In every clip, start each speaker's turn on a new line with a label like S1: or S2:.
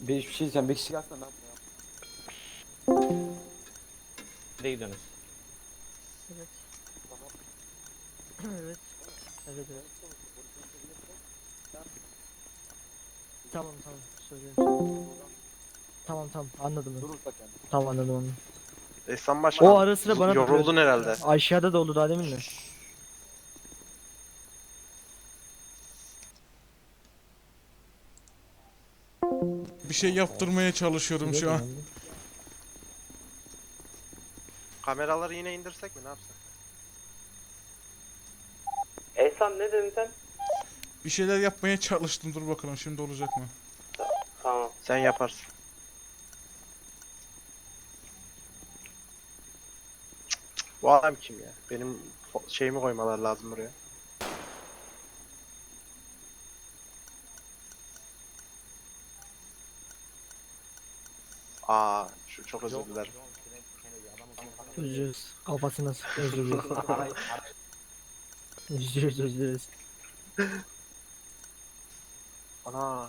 S1: Bir şey diyeceğim. 5 kişi gelsen ne yapma ya?
S2: Nereye gidiyorsunuz?
S3: Evet. Evet. Evet evet. Tamam tamam söylüyorum. Tamam tamam anladım ben.
S1: Durursak yani.
S3: Tamam anladım onu.
S4: Ehsan Başkan.
S3: O ara sıra bana
S4: yoruldun herhalde.
S3: Aşağıda da oldu daha demin de.
S5: Bir şey yaptırmaya çalışıyorum şu an.
S4: Kameraları yine indirsek mi, ne yapsak?
S2: Ehsan ne dedin sen?
S5: Bir şeyler yapmaya çalıştım. Dur bakalım şimdi olacak mı?
S2: Tamam.
S4: Sen yaparsın. Bu adam kim ya? Benim şeyimi koymalar lazım buraya. Şu çok özür dilerim.
S3: Özürüz. Kafasına sık özürüz. Özürüz özürüz.
S4: Ana.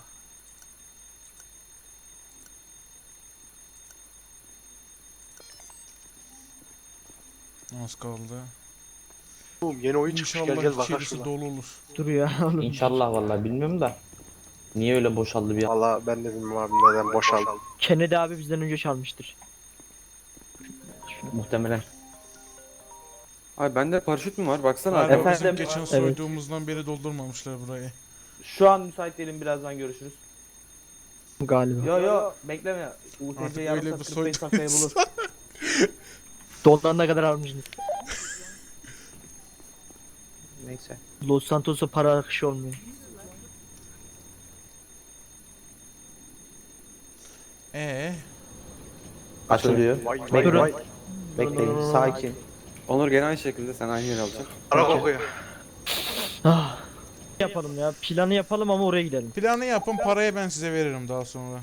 S5: Az kaldı.
S4: Oğlum yeni oyun çıkmış, gel gel
S5: İnşallah
S4: bakalım
S5: içerisi
S4: şuna.
S5: dolu olur.
S3: Dur ya oğlum.
S2: İnşallah vallahi bilmiyorum da. Niye öyle boşaldı bir an?
S4: Valla ben de bilmiyorum abi neden boşaldı.
S3: Kennedy abi bizden önce çalmıştır.
S2: Muhtemelen.
S1: Abi bende paraşüt mü var? Baksana.
S5: Galiba
S1: Efendim?
S5: bizim geçen
S3: Evet.
S5: soyduğumuzdan beri doldurmamışlar burayı.
S6: Şu an müsait değilim, birazdan görüşürüz.
S3: Galiba.
S6: Yo bekleme.
S5: Artık
S6: UTC
S5: öyle
S6: yarım
S5: bir
S6: saat 45 dakikaya bulur.
S5: soydunuz.
S3: Donlarına kadar almışsınız.
S6: Neyse.
S3: Los Santos'a para akışı olmuyor.
S2: Açılıyor.
S4: Vay
S3: Durun.
S4: vay vay.
S6: Bekleyin, sakin.
S1: Onur gene aynı şekilde sen aynı yere alacaksın.
S4: Ara kokuyor.
S3: Ah. Yapalım ya. Planı yapalım ama oraya gidelim.
S5: Planı yapın, parayı ben size veririm daha sonra.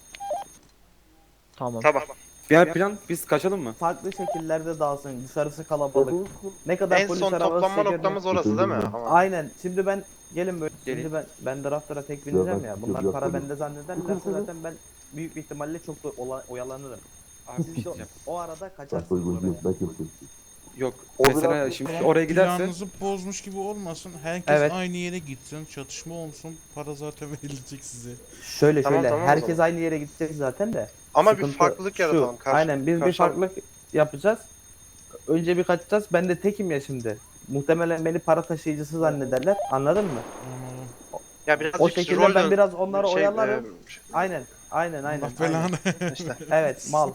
S3: Tamam.
S4: Tamam.
S1: Diğer plan biz kaçalım mı?
S6: Farklı şekillerde dağılsın. Dışarısı kalabalık. Ne kadar
S4: En
S6: polis
S4: son
S6: arabası
S4: toplanma
S6: çeker mi?
S4: noktamız orası değil mi? Tamam.
S6: Aynen. Şimdi ben gelin böyle.
S1: Gelin.
S6: Şimdi ben draftlara tek bineceğim ya. Bunlar para bende zannederlerse zaten ben büyük bir ihtimalle çok da oyalanırım.
S1: Abi bir şey
S6: İşte
S1: diyeceğim.
S6: o arada kaçarsınız oraya.
S1: Yok. Mesela şimdi oraya giderse
S5: Planınızı bozmuş gibi olmasın. Herkes
S6: Evet.
S5: aynı yere gitsin, çatışma olsun, para zaten verilecek size.
S6: Şöyle
S4: Tamam,
S6: şöyle.
S4: tamam o
S6: Herkes
S4: zaman.
S6: aynı yere gidecek zaten de.
S4: Ama bir
S6: Sıkıntı
S4: farklılık
S6: şu,
S4: yaratalım.
S6: Aynen biz bir
S4: karşı-
S6: farklılık yapacağız. Önce bir kaçacağız. Ben de tekim ya şimdi. Muhtemelen beni para taşıyıcısı zannederler. Anladın mı?
S5: Anladım.
S4: Ya birazcık
S6: O şekilde
S4: rol
S6: ben
S4: dön-
S6: biraz onları
S4: şey,
S6: oyalarım.
S4: e,
S6: Aynen. Aynen.
S5: Allah belanı.
S4: işte.
S6: Evet mal.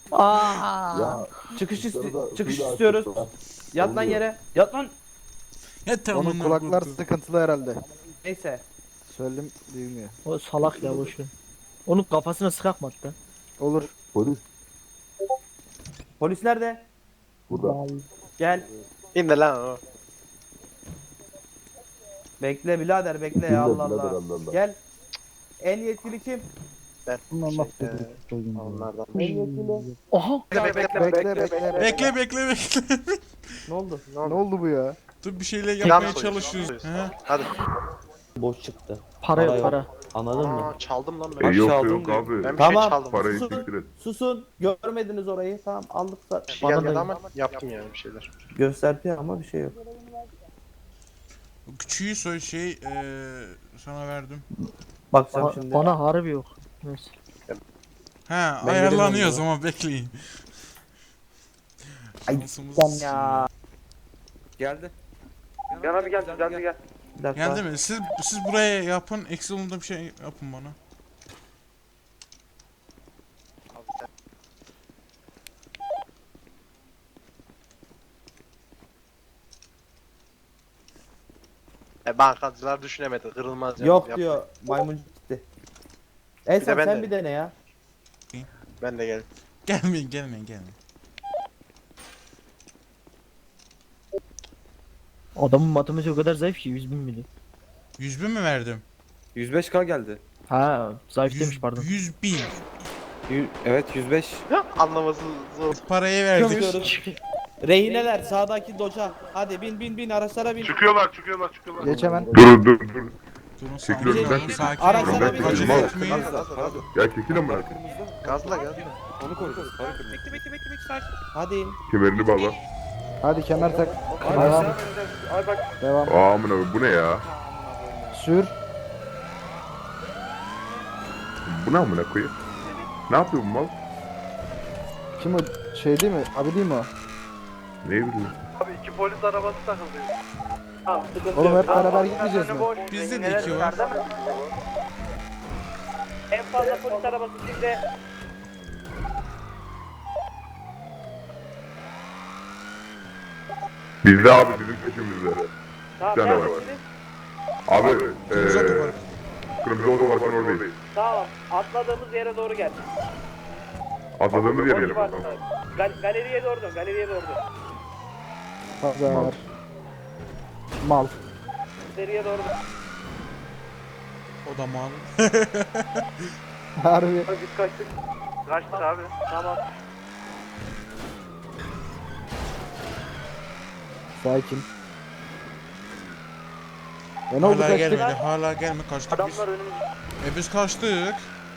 S6: Çıkış istiyoruz. Yat lan yere. Yat lan.
S5: Ya tamam.
S7: Onun kulaklar sıkıntılı herhalde.
S6: Neyse.
S7: Söyledim duymuyor.
S3: O salak ya boşver. Onun kafasına sıkak mı hatta?
S7: Olur.
S6: Polis nerede?
S3: Burada.
S6: Gel.
S4: İndi lan o.
S6: Bekle birader bekle ya Allah Allah. Gel. En yetkili kim?
S4: Ben.
S7: Allah
S4: Onlardan.
S6: En yetkili.
S3: Aha.
S4: Bekle.
S5: Bekle bekle.
S6: Ne oldu?
S7: Ne oldu bu ya?
S5: Dur bir şeyler
S4: Plan
S5: yapmaya
S4: soyuyoruz,
S5: çalışıyoruz.
S4: plan
S5: He?
S4: Hadi.
S2: Boş çıktı.
S3: Para yok
S2: yok.
S3: para.
S2: Anladın mı?
S4: Aa, çaldım lan ben.
S1: Yok,
S4: çaldım
S1: yok
S4: diyor.
S1: abi.
S4: Ben bir
S6: Tamam.
S4: şey çaldım.
S7: Parayı
S6: Susun.
S7: siktir et.
S6: Susun. Görmediniz orayı. Tamam aldık da.
S4: Bir şey
S3: Bana
S4: gelmedi
S3: da-
S4: ama yaptım yani bir şeyler.
S6: Gösterdi ama bir şey yok.
S5: Küçüğü sana verdim.
S6: Bakacağım şimdi.
S3: Bana harbi yok. Neyse.
S5: Ha
S6: Ben
S5: ayarlanıyor o
S6: göremiyorum
S5: zaman bekleyin.
S6: Ay,
S5: Şansımız-
S6: ya.
S1: Geldi.
S4: Gel abi gel. Gel.
S6: Bir dakika.
S5: Geldi mi? Siz buraya yapın. Eksi olunda bir şey yapın bana.
S4: Bankacılar düşünemedi. Kırılmaz yani.
S6: Yok
S4: Yap.
S6: diyor. Maymuncuk gitti.
S4: de
S6: Esen
S4: ben
S6: sen
S4: de.
S6: bir dene ya.
S4: Ben de gel.
S5: Gelmeyin.
S3: Adamın matematiği o kadar zayıf ki 100.000 bile.
S5: 100 bin mi verdim?
S1: 105k geldi.
S3: Ha zayıf demiş pardon.
S5: 100 bin.
S1: Evet 105.
S4: Anlaması zor.
S5: Parayı verdik.
S6: Rehineler sağdaki doca. Hadi bin araçlara bin.
S7: Geç hemen.
S8: Dur.
S5: Durun
S8: Çekil
S5: sakin
S8: önümden.
S5: olun sakin
S6: Araçlara
S5: olun.
S6: bin.
S5: Acele
S8: Mal.
S5: etmeyin.
S8: Ya çekil amına.
S4: Gazla gazla.
S1: Onu konuşacağız. Para kırmızı.
S6: Hadi.
S8: Kemerini bağla.
S7: Hadi kemer tak.
S1: Ay
S7: Devam.
S1: aşağı ineceğiz. Ay bak.
S7: Devam.
S8: Aa amına bu ne ya?
S7: Sür.
S8: Bu ne amına koyayım? Ne yapıyor bu mal?
S7: Kim o? Şey değil mi? Abi değil mi o?
S8: Ne bileyim.
S4: Abi 2 polis arabası takıldı.
S7: Oğlum hep beraber gitmeyeceğiz mi?
S5: Bizde de 2 var.
S6: En fazla polis arabası sizde.
S8: Bizde abi bizim peşimizde.
S6: Tamam,
S8: Bir tane var.
S6: neredesiniz?
S8: Abi
S5: Kırmızı otopark.
S8: kırmızı otoparkın oradayız.
S6: Tamam. Atladığımız yere doğru gel.
S8: Atladığımız yer
S6: O
S8: yerim.
S6: civarda. Galeriye doğru dön. Galeriye doğru dön.
S7: Pazar. Mal.
S6: Galeriye doğru dön.
S5: O da mal.
S7: Harbi.
S4: Biz kaçtık. Kaçtık abi.
S6: Tamam.
S7: Sakin. Ne oldu
S5: Hala
S7: kaçtık?
S5: gelmedi. Hala gelme kaçtık biz.
S6: Adamlar önümüzde.
S5: Biz kaçtık.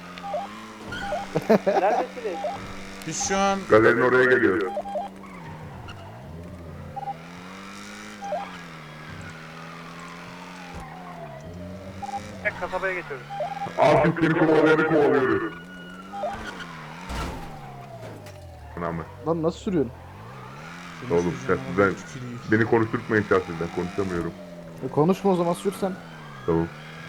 S6: Neredesiniz?
S5: Biz şu an
S8: Galerinin oraya geliyor.
S4: Tek kasabaya geçiyoruz.
S8: Abi seni kovalıyoruz. Ana mı?
S7: Lan nasıl sürüyorsun?
S8: Oğlum ben beni konuşturtmayın şahsiden konuşamıyorum.
S7: Konuşma o zaman sürsen.
S8: Tamam.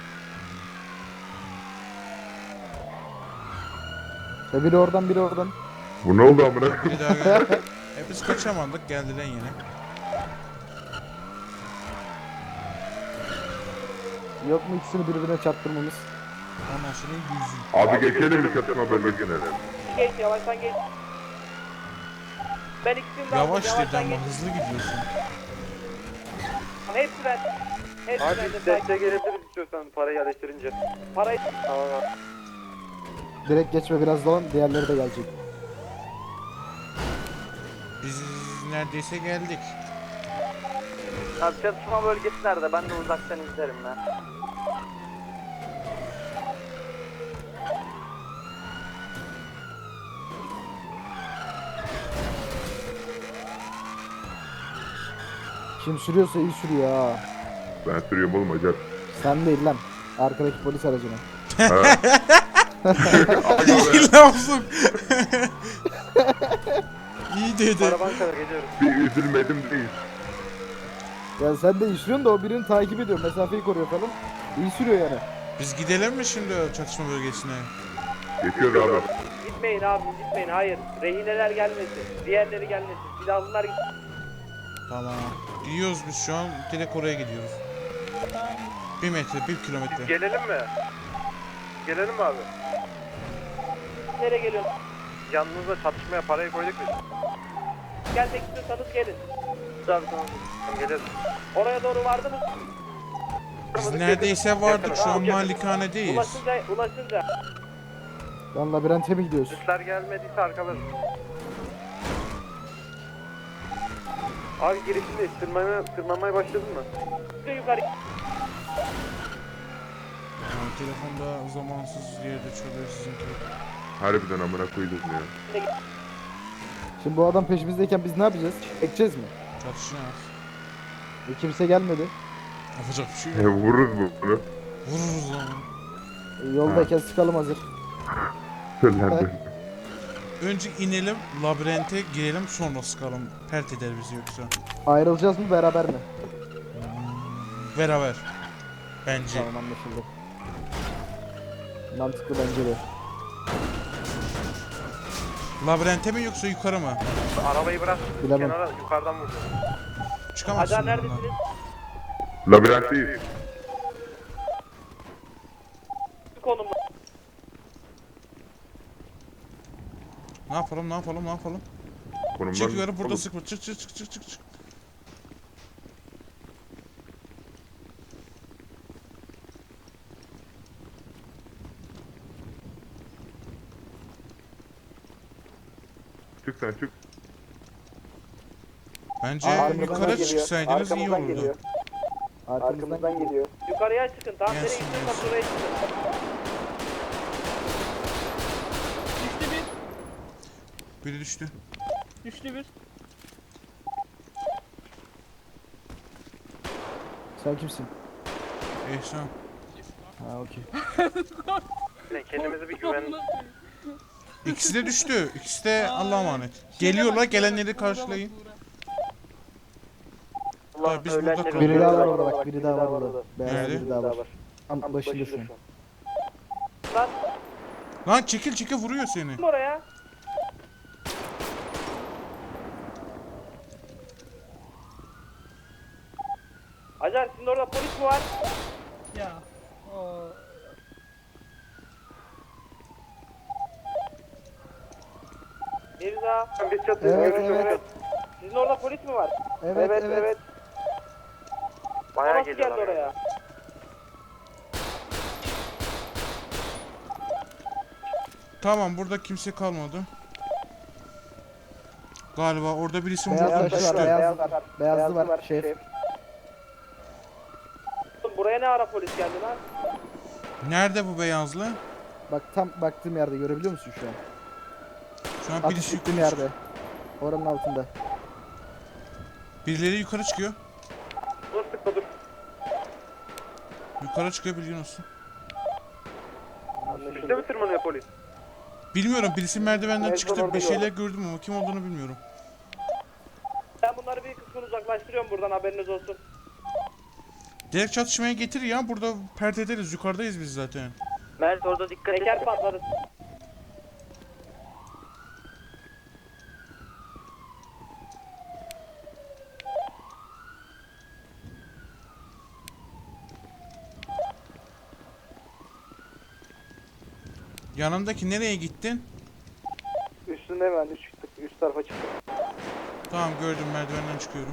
S7: Biri oradan biri oradan.
S8: Bu ne oldu amına?
S5: bir daha geldi. Biz kaçamadık geldiler yine.
S7: Yok mu ikisini birbirine çarptırmamız?
S5: Ondan sonra 100.
S8: Abi geçelim mi çatışma bölgesine?
S6: Geç yavaştan geç. Ben ikisini de
S5: Yavaş
S6: aldım,
S5: dedi ama
S6: geç.
S5: hızlı gidiyorsun.
S6: Hepsi ben. Hepsi
S1: Abi
S6: bende.
S1: biz desteğe gelebiliriz istiyorsan parayı yerleştirince.
S6: Parayı
S1: Tamam abi.
S7: Direkt geçme biraz dolan diğerleri de gelecek.
S5: Biz neredeyse geldik.
S6: Abi çatışma bölgesi nerede? Ben de uzaktan izlerim ben.
S7: Kim sürüyorsa iyi sürüyor ha.
S8: Ben sürüyorum oğlum acar.
S7: Sen değil lan. Arkadaki polis aracına.
S5: İyi lafım. İyi dedi.
S4: Araban kadar geliyoruz.
S8: Bir üzülmedim değil.
S7: Ya sen de iyi sürüyorsun da o birini takip ediyor. Mesafeyi koruyor falan. İyi sürüyor yani.
S5: Biz gidelim mi şimdi o çatışma bölgesine?
S8: Geçiyoruz abi.
S6: Gitmeyin abi gitmeyin. Hayır. Rehineler gelmesin. Diğerleri gelmesin. Silahlılar gitsin.
S5: Tamam. Gidiyoruz biz şu an direkt oraya gidiyoruz. 1 metre, 1 kilometre.
S4: Gelelim mi? Gelelim mi abi?
S6: Nereye geliyorsun?
S4: Yanınızda çatışmaya parayı koyduk biz.
S6: Gelmek istiyorsanız gelin.
S4: Tamam tamam. Tamam gelelim.
S6: Oraya doğru vardınız.
S5: Biz neredeyse vardık şu an malikanedeyiz.
S6: Ulaşınca.
S7: Lan labirente mi gidiyoruz?
S4: Polisler gelmediyse arkalarız. Abi girişindeyiz. Tırmanmaya başladın mı?
S6: Yukarı.
S5: Yani telefonda zamansız yerde çalıyor sizinki.
S8: Harbiden amına koydum ya.
S7: Şimdi bu adam peşimizdeyken biz ne yapacağız? Çekeceğiz mi?
S5: Çatışacağız.
S7: Kimse gelmedi.
S5: Yapacak bir şey yok.
S8: Vururuz bunu.
S5: Vururuz lan.
S7: Yoldayken sıkalım hazır.
S8: Söylendim.
S5: Önce inelim, labirente girelim sonra sıkalım. Pert eder bizi yoksa.
S7: Ayrılacağız mı beraber mi?
S5: Beraber. Bence.
S7: Tamam anlaşıldı. Mantıklı bence de.
S5: Labirente mi yoksa yukarı mı?
S4: Arabayı bırak.
S7: Bilemem.
S4: Kenara yukarıdan vur.
S5: Çıkamazsın
S6: Acar
S5: bundan.
S6: neredesiniz?
S8: Labirentteyiz.
S6: Konumda.
S5: Ne yapalım, ne yapalım, ne yapalım?
S8: Konumdan
S5: Çık yukarı burada
S8: Oğlum,
S5: sıkma. Çık çık çık çık çık çık.
S8: Çık sen çık.
S5: Bence
S7: Arkamızdan
S5: yukarı
S7: geliyor,
S5: çıksaydınız iyi
S7: arkamızdan
S5: olurdu.
S7: geliyor. Arkamızdan geliyor.
S3: Yukarıya çıkın. Tam nereye
S5: Gelsin,
S3: gidiyorsan
S5: gelsin.
S3: oraya çıkın. Düştü bir.
S5: Biri düştü.
S3: Düştü bir.
S7: Sen kimsin?
S5: Ehsan.
S7: Ha okey.
S4: Kendimizi bir güven...
S5: İkisi de düştü. İkisi de Allah'a emanet. Geliyorlar, gelenleri karşılayın. Abi biz burada
S7: Biri
S5: kalıyoruz.
S7: daha var orada bak, biri daha var orada. Beyaz
S5: Nerede?
S7: biri daha var. Tam başında şu an.
S5: Lan çekil çekil vuruyor seni.
S3: Oraya. Acar sizin orada polis mi var? Ya. Mirza.
S4: Biz çatıyoruz.
S7: Evet.
S3: Sizin orada polis mi var?
S7: Evet.
S4: Bayağı
S3: Nasıl geldi
S4: geliyorlar.
S3: oraya?
S5: Tamam burada kimse kalmadı. Galiba orada birisi
S7: Beyaz
S5: vurdu
S7: taşı var,
S5: düştü.
S7: beyazlı var. Şef.
S3: Buraya ne ara polis geldi lan?
S5: Nerede bu beyazlı?
S7: Bak tam baktığım yerde görebiliyor musun şu an?
S5: Şu an
S7: Atış
S5: birisi
S7: ettiğim
S5: yukarı
S7: yerde. Oranın altında.
S5: Birileri yukarı çıkıyor.
S3: Dur sıkma dur.
S5: Yukarı çıkıyor bilgin olsun.
S4: Üste mi tırmanıyor polis?
S5: Bilmiyorum birisi merdivenden
S7: En
S5: çıktı
S7: son orada
S5: bir şeyler gördüm ama kim olduğunu bilmiyorum.
S3: Ben bunları bir kısmını uzaklaştırıyorum buradan haberiniz olsun.
S5: Direkt çatışmaya getir ya burada pert ederiz yukarıdayız biz zaten.
S3: Mert orada dikkat et. Teker patladı.
S5: Yanındaki nereye gittin?
S7: Üstünde hemen çıktık. Üst tarafa çıktık.
S5: Tamam gördüm merdivenden çıkıyorum.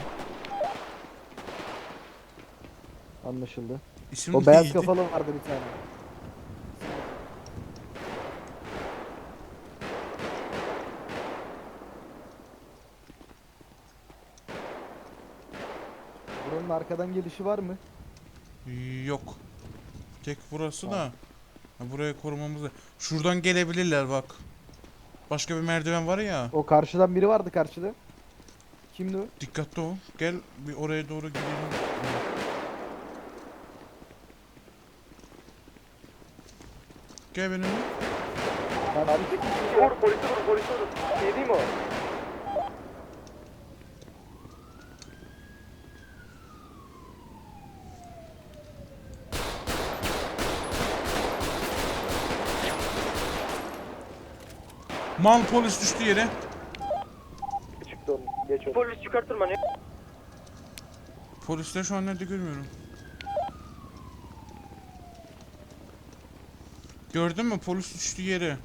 S7: Anlaşıldı.
S5: İsim
S7: O beyaz
S5: neydi?
S7: kafalı vardı bir tane. Buranın arkadan gelişi var mı?
S5: Yok. Tek burası da. Ha, burayı korumamız da. Şuradan gelebilirler bak. Başka bir merdiven var ya.
S7: O karşıdan biri vardı karşıda. Kimdi o?
S5: Dikkatli ol. Gel bir oraya doğru gidelim. Gel benimle.
S4: Vur polisi vur polisi vur. Şey değil mi o?
S5: Mal polis düştü yere.
S7: Çıktı onun. Geç onu.
S3: Polis yukarı tırmanıyor.
S5: Polisler şu an nerede görmüyorum. Gördün mü polis düştü yere.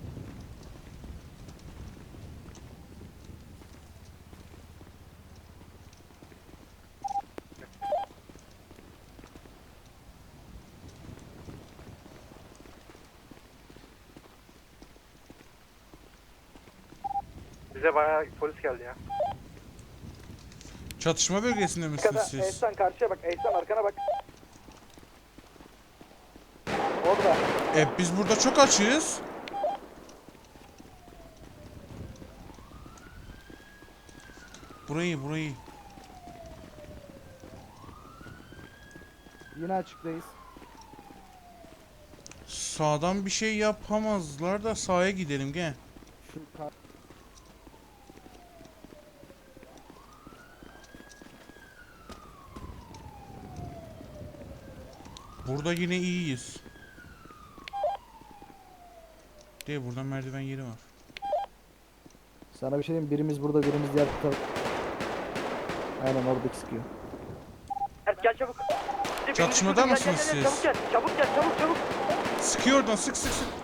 S4: Bize bayağı polis geldi ya.
S5: Çatışma bölgesinde misiniz siz?
S7: Ehsan karşıya bak. Ehsan arkana bak. Orada.
S5: Biz burada çok açığız. Burayı.
S7: Yine açıktayız.
S5: Sağdan bir şey yapamazlar da sağa gidelim gel.
S7: Şu kar-
S5: Burada yine iyiyiz. Değil buradan merdiven yeri var.
S7: Sana bir şey diyeyim, birimiz burada, birimiz diğer taraf. Aynen oradaki sıkıyor.
S3: Mert gel çabuk.
S5: Çatışmada
S3: Gel,
S5: mısınız
S3: gel, gel,
S5: siz?
S3: Çabuk gel çabuk.
S5: Sıkıyor oradan sık.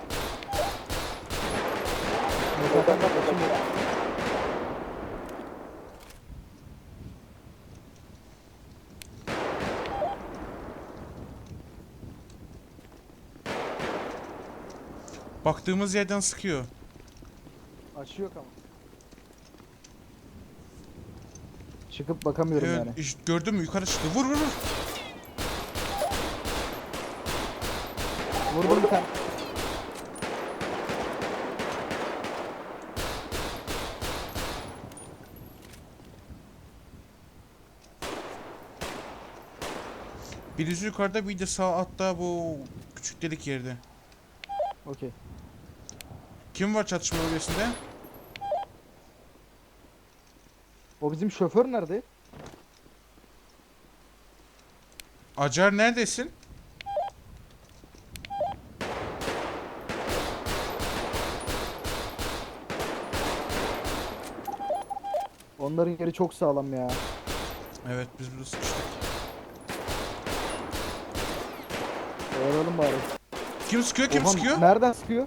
S5: Baktığımız yerden sıkıyor.
S7: Açı yok ama. Çıkıp bakamıyorum
S5: Evet
S7: yani.
S5: işte gördün mü yukarı çıktı. Vur.
S7: Vurdum bir tane.
S5: Birisi yukarıda, bir de sağ altta bu küçük delik yerde.
S7: Okey.
S5: Kim var çatışma bölgesinde?
S7: O bizim şoför nerede?
S5: Acar neredesin?
S7: Onların yeri çok sağlam ya.
S5: Evet, biz burada sıkıştık.
S7: Oyalalım bari.
S5: Kim sıkıyor, kim
S7: Oha,
S5: sıkıyor?
S7: nereden sıkıyor?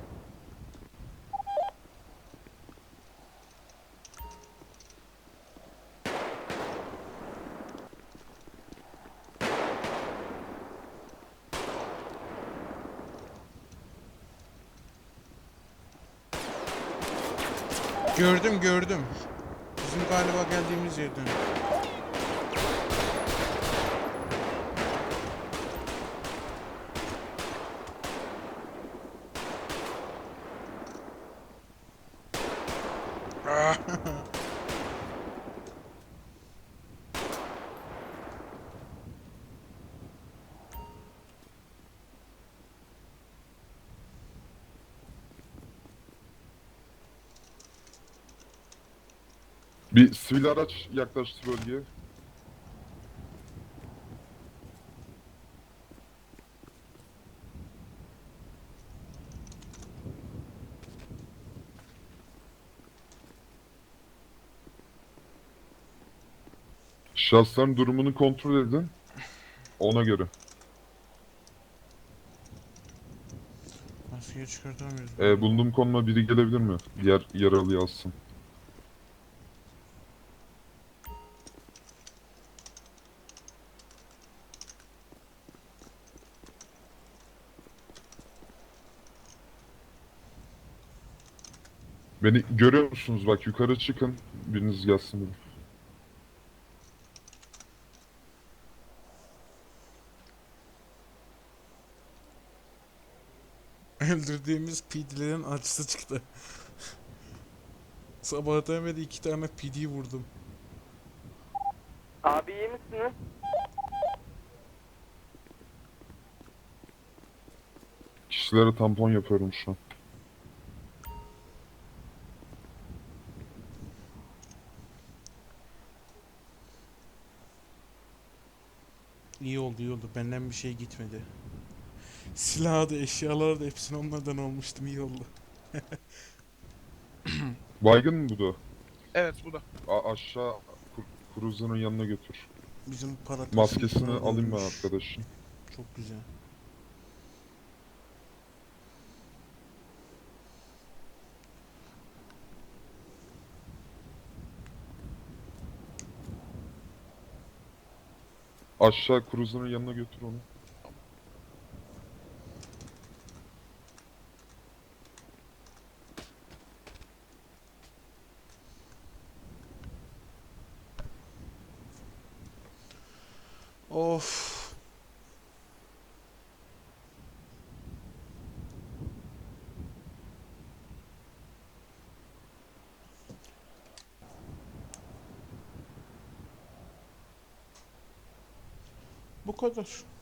S5: Gördüm, gördüm. Bizim galiba geldiğimiz yerden. Ah!
S8: Bir sivil araç yaklaştı bölgeye. Şahısların durumunu kontrol edin. Ona göre.
S5: Maskeyi çıkartamıyoruz.
S8: Bulunduğum konuma biri gelebilir mi? Diğer yaralıyı alsın. Beni görüyor musunuz? Bak yukarı çıkın. Biriniz gelsin buraya.
S5: Öldürdüğümüz PD'lerin acısı çıktı. Sabahtan beri 2 tane PD vurdum.
S6: Abi iyi misiniz?
S8: Kişilere tampon yapıyorum şu an.
S5: İyi oldu, iyi oldu. Benden bir şey gitmedi. Silahı da, eşyaları da hepsini onlardan almıştım. İyi oldu.
S8: Baygın mı bu da?
S4: Evet bu da.
S8: Aşağı Cruiser'ın yanına götür.
S5: Bizim para
S8: Maskesini
S5: taşıyıcılar
S8: alayım ben
S5: ölmüş.
S8: arkadaşın.
S5: Çok güzel.
S8: Aşağı Cruiser'ın yanına götür onu.
S5: Of. Bu kadar.